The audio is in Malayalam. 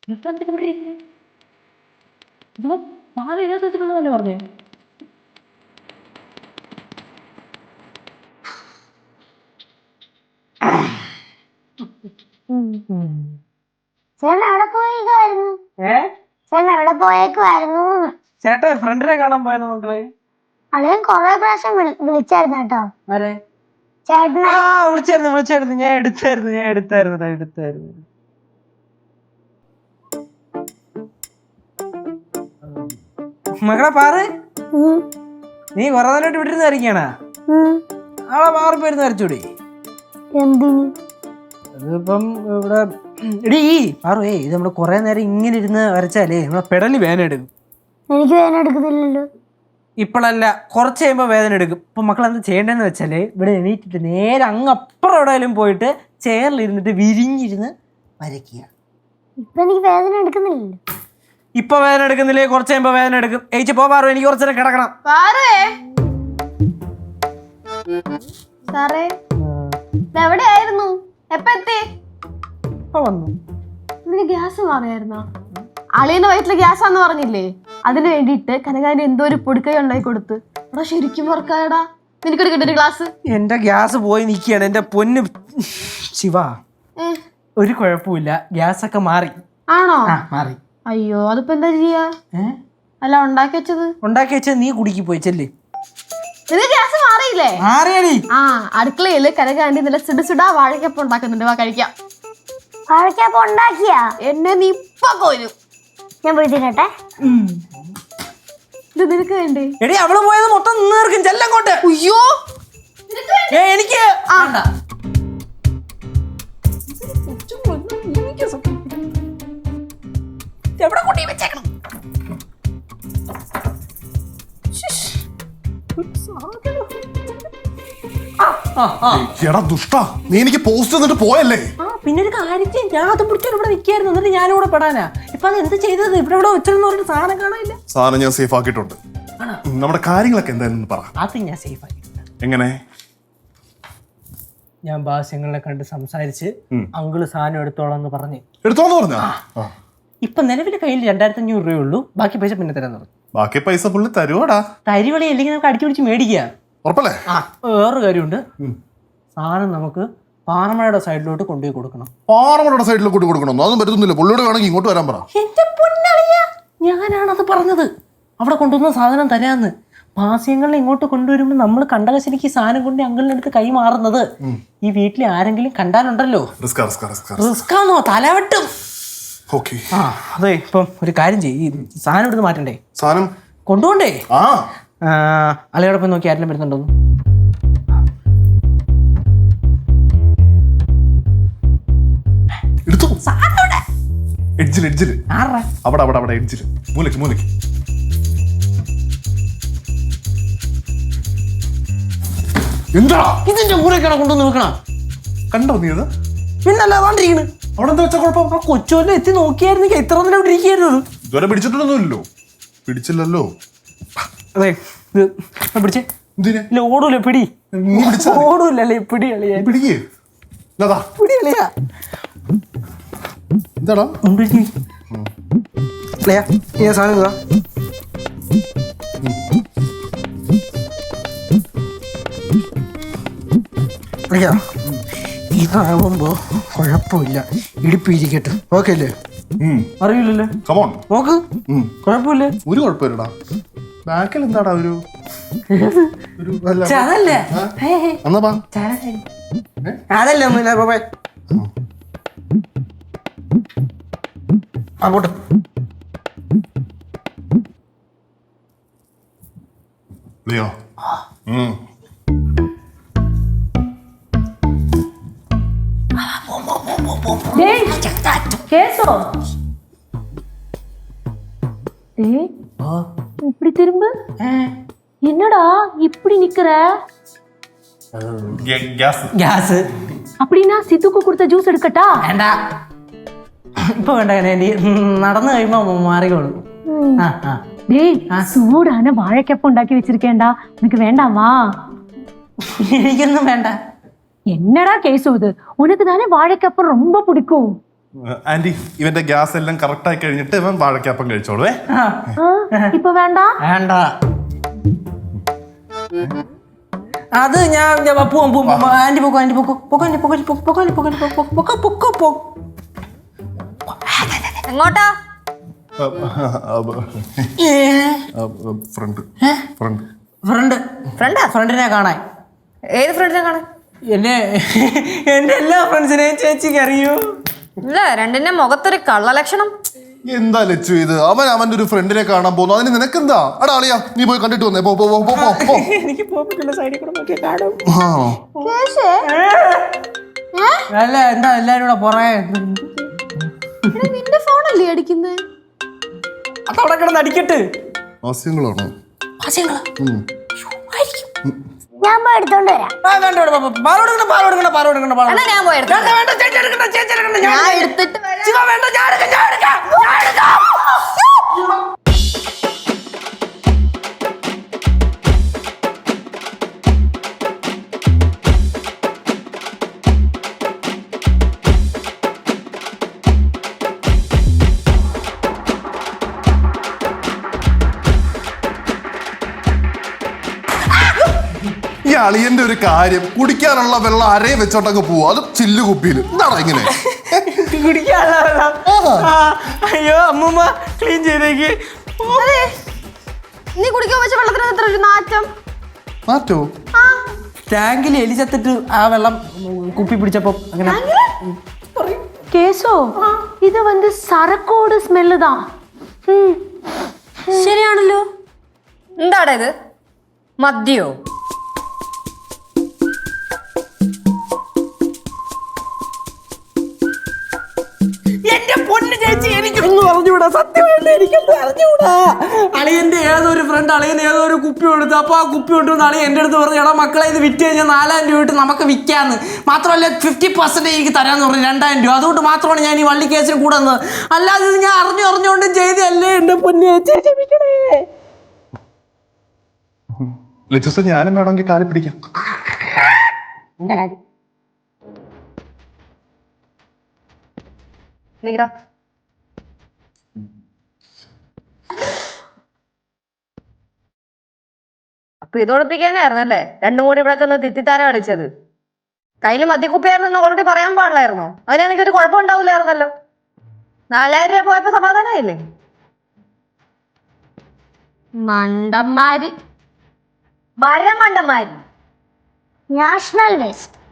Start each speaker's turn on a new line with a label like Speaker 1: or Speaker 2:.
Speaker 1: പറഞ്ഞേ ചേട്ടാ ഫ്രണ്ടിനെ കാണാൻ പോയെന്ന് മക്കളെ.
Speaker 2: അളിയൻ കൊറേ പ്രാവശ്യം വിളിച്ചായിരുന്നു കേട്ടോ. ചേട്ടനെ
Speaker 1: വിളിച്ചായിരുന്നു. ഞാൻ എടുത്തായിരുന്നു. മകളെ പാറ്, നീ കൊറേ നേരമായിട്ട് വിട്ടിരുന്ന് വരയ്ക്കാണാ? ആളെ പാറ് പോയിരുന്ന് വരച്ചൂടെ?
Speaker 2: എന്തിന്?
Speaker 1: അതിപ്പം ഇവിടെ എടീ പാറു, ഇത് നമ്മള് കൊറേ നേരം ഇങ്ങനെ ഇരുന്ന് വരച്ചാലേ നമ്മളെ പെടലി വേദന എടുക്കും.
Speaker 2: എനിക്ക് വേദന എടുക്കുന്നില്ലല്ലോ.
Speaker 1: ഇപ്പോഴല്ല, കുറച്ച് കഴിയുമ്പോൾ വേദന എടുക്കും. ഇപ്പൊ മക്കൾ എന്താ ചെയ്യേണ്ടതെന്ന് വെച്ചാല് ഇവിടെ എണീറ്റിട്ട് നേരെ അങ്ങ് അപ്പുറം എവിടെയെങ്കിലും പോയിട്ട് ചെയറിലിരുന്നിട്ട് വിരിഞ്ഞിരുന്ന് വരയ്ക്കുക.
Speaker 2: ഇപ്പൊ എനിക്ക് വേദന എടുക്കുന്നില്ലല്ലോ.
Speaker 1: ഇപ്പൊ വേദന എടുക്കുന്നില്ലേ? കുറച്ച് കഴിയുമ്പോ വേദന എടുക്കും. ഏച്ചി പോ പാറു, എനിക്ക് കുറച്ചു നേരം കിടക്കണം.
Speaker 3: സാറേ എവിടെയായിരുന്നു? എപ്പ എത്തി?
Speaker 1: ഇപ്പൊ വന്നു.
Speaker 3: നിനക്ക് ഗ്യാസ് മാറിയായിരുന്നോ? അളിയന്റെ വയറ്റില് ഗ്യാസാന്ന് പറഞ്ഞില്ലേ? അതിന് വേണ്ടിയിട്ട് കനകാന് എന്തോ ഒരു പൊടിക്കൈ ഉണ്ടായി കൊടുത്ത്. എടാ ശരിക്കും വർക്കായടാ. നിനക്കൊരു കിട്ടിയ ഗ്ലാസ്.
Speaker 1: എന്റെ ഗ്യാസ് പോയി നിൽക്കുകയാണ്. എന്റെ പൊന്ന് ശിവ, ഒരു കുഴപ്പമില്ല, ഗ്യാസ് ഒക്കെ മാറി.
Speaker 3: ആണോ?
Speaker 1: മാറി.
Speaker 3: അയ്യോ, അതിപ്പോ എന്താ ചെയ്യാ? അല്ല ഉണ്ടാക്കി വെച്ചത്
Speaker 1: നീ കുടുക്കി പോയി ചെല്ലേ.
Speaker 3: നിനക്ക് ഗ്യാസ് മാറിയില്ലേ?
Speaker 1: മാറിയടി.
Speaker 3: അടുക്കളയില് കനകാന്റി നല്ല സുടാ വാഴക്കപ്പം ഉണ്ടാക്കുന്നുണ്ട്. വാ കഴിക്കാം.
Speaker 2: വാഴക്കപ്പം ഉണ്ടാക്കിയാ?
Speaker 3: എന്നെ നീ ഇപ്പൊ പോരും.
Speaker 2: ഞാൻ പോയി തിന്നട്ടെ.
Speaker 3: ഇത് നിനക്ക് വേണ്ടേ?
Speaker 1: എടി അവള് പോയത് മൊത്തം നീർക്കും. ചെല്ലങ്ങോട്ട്.
Speaker 3: അയ്യോ
Speaker 1: എനിക്ക് എവിടെ കൊണ്ടേ വെച്ചേക്കണം?
Speaker 4: എടാ ദുഷ്ട, നീ എനിക്ക് പോസ്റ്റ് തന്നിട്ട് പോയല്ലേ?
Speaker 1: പിന്നെ ഒരു കാര്യം, ഞാൻ അത് പിടിച്ചോണ്ട് ഇവിടെ നിൽക്കായിരുന്നു. എന്നിട്ട് ഞാനിവിടെ പെടാനാ. ഇപ്പൊ അത് എന്ത് ചെയ്തത്? ഇവിടെ വെച്ചെന്ന് പറഞ്ഞിട്ട് സാധനം കാണാനില്ല.
Speaker 4: സാധനം ഞാൻ സേഫ് ആക്കിയിട്ടുണ്ട്. നമ്മുടെ കാര്യങ്ങളൊക്കെ എന്തായാലും പറ.
Speaker 1: അത് ഞാൻ സേഫ് ആക്കിയിട്ടുണ്ട്.
Speaker 4: എങ്ങനെ?
Speaker 1: ഞാൻ ബാസ്യങ്ങളെ കണ്ട് സംസാരിച്ച് അങ്കിള് സാധനം എടുത്തോളാന്ന് പറഞ്ഞു.
Speaker 4: എടുത്തോന്ന് പറഞ്ഞ?
Speaker 1: ഇപ്പൊ നിലവിലെ കയ്യിൽ 2500 രൂപയുള്ളൂ. ബാക്കി പൈസ പിന്നെ തരാൻ പറഞ്ഞു.
Speaker 4: ബാക്കി പൈസ പുള്ളി തരുവാടാ.
Speaker 1: തരിവളി അല്ലെങ്കിൽ നമുക്ക് അടിച്ചു പിടിച്ച് മേടിക്കുക.
Speaker 4: ഉറപ്പല്ലേ?
Speaker 1: വേറൊരു കാര്യമുണ്ട്. സാധനം നമുക്ക് പാറമഴയുടെ സൈഡിലോട്ട് കൊണ്ടുപോയി കൊടുക്കണം.
Speaker 4: പാറമഴയുടെ സൈഡിലോട്ട് കൊടുക്കണം? അതൊന്നും പറ്റുന്നില്ല. പുള്ളിയോട് വേണമെങ്കിൽ ഇങ്ങോട്ട് വരാൻ പറ.
Speaker 1: എന്റെ പൊന്നളിയ, ഞാനാണത് പറഞ്ഞത്. അവിടെ കൊണ്ടുവന്ന സാധനം തരാന്ന്. ഭാസ്യങ്ങളിൽ ഇങ്ങോട്ട് കൊണ്ടുവരുമ്പോൾ നമ്മൾ കണ്ടകശനിക്ക് സാധനം കൊണ്ട് അങ്കിളിന്റെ അടുത്ത് കൈ മാറുന്നത് ഈ വീട്ടിൽ ആരെങ്കിലും കണ്ടാലുണ്ടല്ലോ, റിസ്കാന്നോ, തലവെട്ടും. അതെ, ഇപ്പം ഒരു കാര്യം ചെയ്യും, സാധനം എടുത്ത് മാറ്റണ്ടേ?
Speaker 4: സാധനം
Speaker 1: കൊണ്ടുപോണ്ടേ? അലയോടൊപ്പം നോക്കി ആരെങ്കിലും വരുന്നുണ്ടോന്ന്.
Speaker 4: എന്താ
Speaker 1: ഇതിന്റെ കൂടെയൊക്കെയാണ് കൊണ്ടുവന്ന് വെക്കണം?
Speaker 4: കണ്ടോ നീ? അത്
Speaker 1: പിന്നല്ല വാണ്ടിരിക്കണ്.
Speaker 4: അവിടെ എന്താ വെച്ചാ കുഴപ്പം?
Speaker 1: ആ കൊച്ചുവല്ല എത്തി നോക്കിയായിരുന്നെങ്കിൽ എത്ര നേരം ഇവിടെ ഇരിക്കുകയായിരുന്നു.
Speaker 4: ഇതുവരെ പിടിച്ചിട്ടൊന്നുമില്ലല്ലോ. പിടിച്ചില്ലല്ലോ.
Speaker 1: അതെ, ഇത് പിടിച്ചേ. ഇല്ല, ഓടൂല. പിടി. ഓടൂലല്ലേ? പിടി കളിയാ.
Speaker 4: പിടിക്കേ.
Speaker 1: പിടി കളിയാ.
Speaker 4: എന്താടാ
Speaker 1: സാധനം ഇതാ. ഇതാവുമ്പോ കുഴപ്പമില്ല, ഇടിപ്പിരിക്കട്ടെ. ഓക്കെ അല്ലേ? അറിയില്ലല്ലേ? നോക്ക്, കുഴപ്പമില്ല.
Speaker 4: ഒരു കുഴപ്പമില്ലടാ. ബാക്കിൽ എന്താടാ ഒരു
Speaker 1: അതല്ലേ അതല്ലേ ഒന്നുമില്ല. പോയി അങ്ങോട്ട്.
Speaker 3: கேசோ இப்படி திரும்ப. என்னடா இப்படி நிக்கிற?
Speaker 1: ഗ്യാസ്.
Speaker 3: அப்படின்னா சித்துக்கு கொடுத்த ஜூஸ் எடுக்கட்டா?
Speaker 1: വേണ്ട, ഇപ്പൊ വേണ്ട. നടന്നു കഴിയുമ്പോ മാറിക്കോളൂ.
Speaker 3: டேய், சூடான வாழைக்கப்பம் உண்டாக்கி வச்சிருக்கேன்டா, உனக்கு வேண்டாமா?
Speaker 1: എനിക്കൊന്നും വേണ്ട.
Speaker 3: என்னடா கேசு, இது உனக்கு தானே வாழைக்கப்பம் ரொம்ப பிடிக்கும்.
Speaker 4: ആന്റി ഇവന്റെ ഗ്യാസ് എല്ലാം കറക്റ്റ് ആയി കഴിഞ്ഞിട്ട് ഇവൻ വാഴക്കാപ്പം കഴിച്ചോളൂ.
Speaker 3: ഇപ്പൊ വേണ്ട.
Speaker 1: വേണ്ട, അത് ഞാൻ പോവാം. ആന്റി പൊക്കോ, ആന്റി പൊക്കോ, പൊക്കോ, ആന്റി പൊക്കോ, പൊക്കോ, ആന്റി പൊക്കോ, പൊക്കോ, പൊക്കോ, പൊക്കോ.
Speaker 5: എങ്ങോട്ടാ?
Speaker 4: ഫ്രണ്ട്
Speaker 1: ഫ്രണ്ടിനെ കാണാൻ.
Speaker 5: ഏത് ഫ്രണ്ടിനെ കാണാൻ?
Speaker 1: എന്റെ എല്ലാ ഫ്രണ്ട്സിനെയും ചേച്ചിക്ക് അറിയൂ.
Speaker 5: ഇല്ല, രണ്ടിന്റെ മുഖത്തൊരു കള്ളലക്ഷണം.
Speaker 4: എന്താ ലച്ചു ഇത്? അവന്റെ ഒരു ഫ്രണ്ടിനെ കാണാൻ പോകുന്നു, അതിന് നിനക്കെന്താ? അടാ അളിയാ, നീ പോയി കണ്ടിട്ട് വന്നേ. പോ പോ പോ പോ പോ.
Speaker 1: എനിക്ക് പോകാൻ പറ്റില്ല, സൈഡിൽ കൂടെ നോക്കിയാൽ കാണും. അല്ല, എന്താ എല്ലാരും കൂടെ പുറകെ?
Speaker 3: നിന്റെ ഫോണല്ലേ അടിക്കുന്നേ?
Speaker 1: അതവിടെ കിടന്ന് അടിക്കട്ട്.
Speaker 4: ഹാസ്യങ്ങളാണോ?
Speaker 2: ഞാൻ പോയി എടുത്തോണ്ട് വരാം.
Speaker 5: എന്നാ ഞാൻ പോയി എടുക്കാം.
Speaker 3: ഞാൻ എടുത്തിട്ട് വരാം.
Speaker 4: ഈ അളിയന്റെ ഒരു കാര്യം, കുടിക്കാനുള്ള വെള്ളം അരയെ വെച്ചോട്ടങ്ങ് പോവും, അത് ചില്ലു കുപ്പിയിൽ. എന്താണോ ഇങ്ങനെ?
Speaker 1: കുടിക്കാനുള്ള വെള്ളം. അയ്യോ അമ്മൂമ്മ ക്ലീൻ ചെയ്തേക്ക്.
Speaker 3: നീ കുടിക്കാൻ വെച്ച വെള്ളത്തിന് എത്ര ഒരു നാറ്റം.
Speaker 4: മാറ്റോ?
Speaker 1: ടാങ്കിൽ എലി ചത്തിട്ട് ആ വെള്ളം കുപ്പി പിടിച്ചപ്പോ അങ്ങനെ.
Speaker 3: കേസോ, ഇത് വന്ന് സരക്കോട് സ്മെല്ല് താ.
Speaker 5: ശരിയാണല്ലോ. എന്താടാ ഇത്? മദ്യോ?
Speaker 1: എന്റെ പൊന്ന് ചേച്ചി, എനിക്കൊന്നും അറിഞ്ഞൂടാ, സത്യമായിട്ട് എനിക്കൊന്നും അറിഞ്ഞൂടാ. അളിയന്റെ ഏതൊരു ഫ്രണ്ട് അളിയൻ ഏതോ ഒരു കുപ്പി കൊടുത്തു. അപ്പൊ ആ കുപ്പി കൊണ്ടുവന്ന് അളിയൻ എന്റെ അടുത്ത് പറഞ്ഞു, എടാ മക്കളെ ഇത് വിറ്റ് കഴിഞ്ഞാൽ 4000 രൂപ ഇട്ട് നമുക്ക് വിൽക്കാന്ന്. മാത്രമല്ല 50% എനിക്ക് തരാന്ന് പറഞ്ഞു, 2000 രൂപ. അതുകൊണ്ട് മാത്രമാണ് ഞാൻ ഈ വള്ളി കേസിന് കൂടെ വന്നത്. അല്ലാതെ ഇത് ഞാൻ അറിഞ്ഞുകൊണ്ടും ചെയ്തല്ലേ. എന്റെ പൊന്ന് ചേച്ചി ക്ഷമിക്കണേ.
Speaker 4: ലച്ചുസ, ഞാനും വേണമെങ്കിൽ കാലി പിടിക്കാം.
Speaker 5: നീടാ. അപ്പൊ ഇത് ഒളിപ്പിക്കാനായിരുന്നല്ലേ 2 കൂടി ഇവിടെ ഒന്ന് തെറ്റിത്താരം അടിച്ചത്? കയ്യില് മദ്യക്കുപ്പിയായിരുന്നു ഓൾറെഡി പറയാൻ പാടില്ലായിരുന്നോ? അതിനെനിക്കൊരു കുഴപ്പം ഉണ്ടാവില്ലായിരുന്നല്ലോ. 4000 രൂപ പോയപ്പോ സമാധാനമായില്ലേ?
Speaker 3: മണ്ടന്മാര്.
Speaker 5: മരമണ്ടന്മാര്.
Speaker 2: National waste.